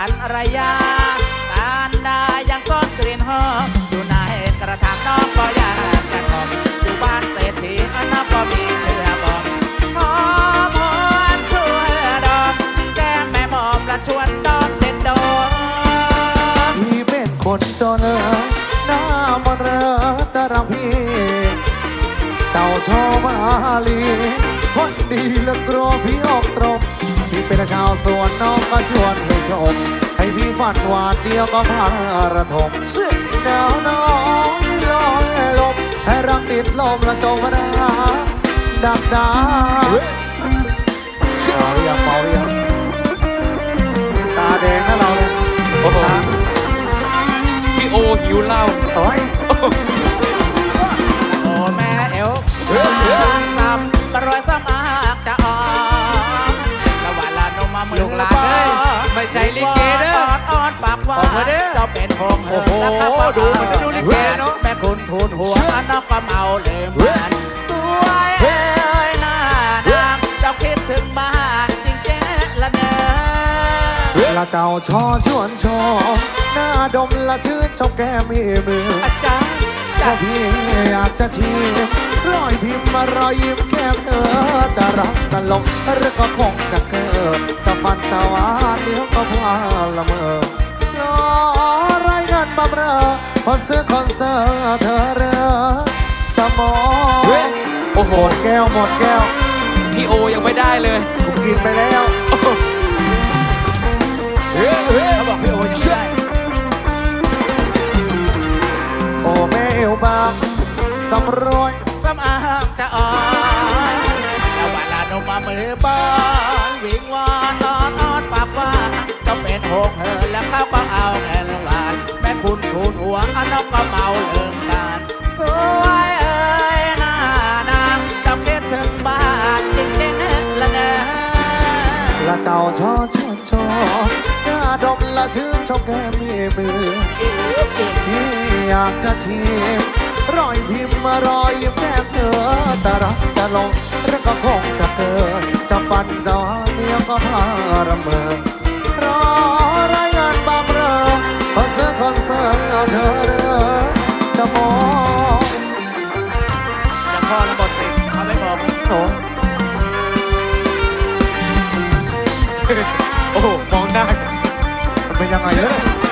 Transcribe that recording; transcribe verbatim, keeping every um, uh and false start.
รรยาการได้ยังก้อนกลิ่นหอมอยู่ในกระถางน้องก็อยากจะทอมอยู่บ้านเศรษฐีน้องก็มีเชื่อบอกหอมหวนชวนดอกแก้มแม่หมอมละชวนดอกเด็ดดอกพี่เป็นคนจนเออหน้ามันเรอแต่รักพี่เจ้าชอบมาลีคนดีและกลัวพี่ออกตรงพี่เป็นชาวสวนน้องก็ชวนให้ชมให้พี่ฝันหวานเดียวก็พาระทมหนาวน้องลอยลมให้รักติดลมและจมราดักดาเมาหรือยังเมาหรือยังตาแดงนะเราเนี่ยโอ้โหพี่โอหิวเหล้าโอ้ยโอ้แม่เอวซ้ำกระรวยซ้ำอากจะออกละวันละนมมามือลาเลยไม่ใช่ลิเกเด้ออดอดปากว่าเจ้าเป็นพงเหินแล้วข้าก็ดูมันดูลิเกเนาะแม่คุณทูลหัวนอกก็เมาเลยมันสวยเอ้ยหน้านางเจ้าคิดถึงบ้านจริงแจ๊ละเนอละเจ้าชอชวนชอหน้าดมละชื่นชอบแก้มีมืออาจารย์ก็พี่อยากจะชี้รอยพิมพ์มารอยยิ้มแก้มเธอจะรักจะหลงหรือก็คงจะเกิดจะปันจะหวานเดี๋ยวก็พาละเมอรอรายงานบำเรอพอซื้อคอนเสิร์ตเธอเรือจะมองโอ้โหหมดแก้วหมดแก้วพี่โอยังไม่ได้เลยผมกินไปแล้วเฮ้ยเฮ้ยเขาบอกพี่โอยังไม่ได้โอ้แม่เอวบางสำรวยซ้ำอางจะอ่อนแล้ววันละนมมามือบอนวิ่งวอนนอนนอนปากว่าเจ้าเป็นหกเหินแล้วเขาก็เอาแอนหวานแม่คุณทูลหัวอันนกก็เมาเลิ่มกันสวยเอ้ยหน้านางเจ้าคิดถึงบ้านจริงๆละเนอละเจ้าชอชอชอหน้าดมละชื่นชอบแก้มีมือพี่อยากจะชิมรอยพิมพ์มารอยยิ้มแก้มเธอจะรักจะลงแล้วก็คงจะเกิดจะปั่นจะหาเดียวก็พาระเมอรอรายงานบำเรอพอเสื้อคอนเสิร์ตเธอเด้อจะมองจะพอแล้วหมดสิเอาไม่บอกโอ้โอ้โหมองหน้ามันเป็นยังไงเนี่ย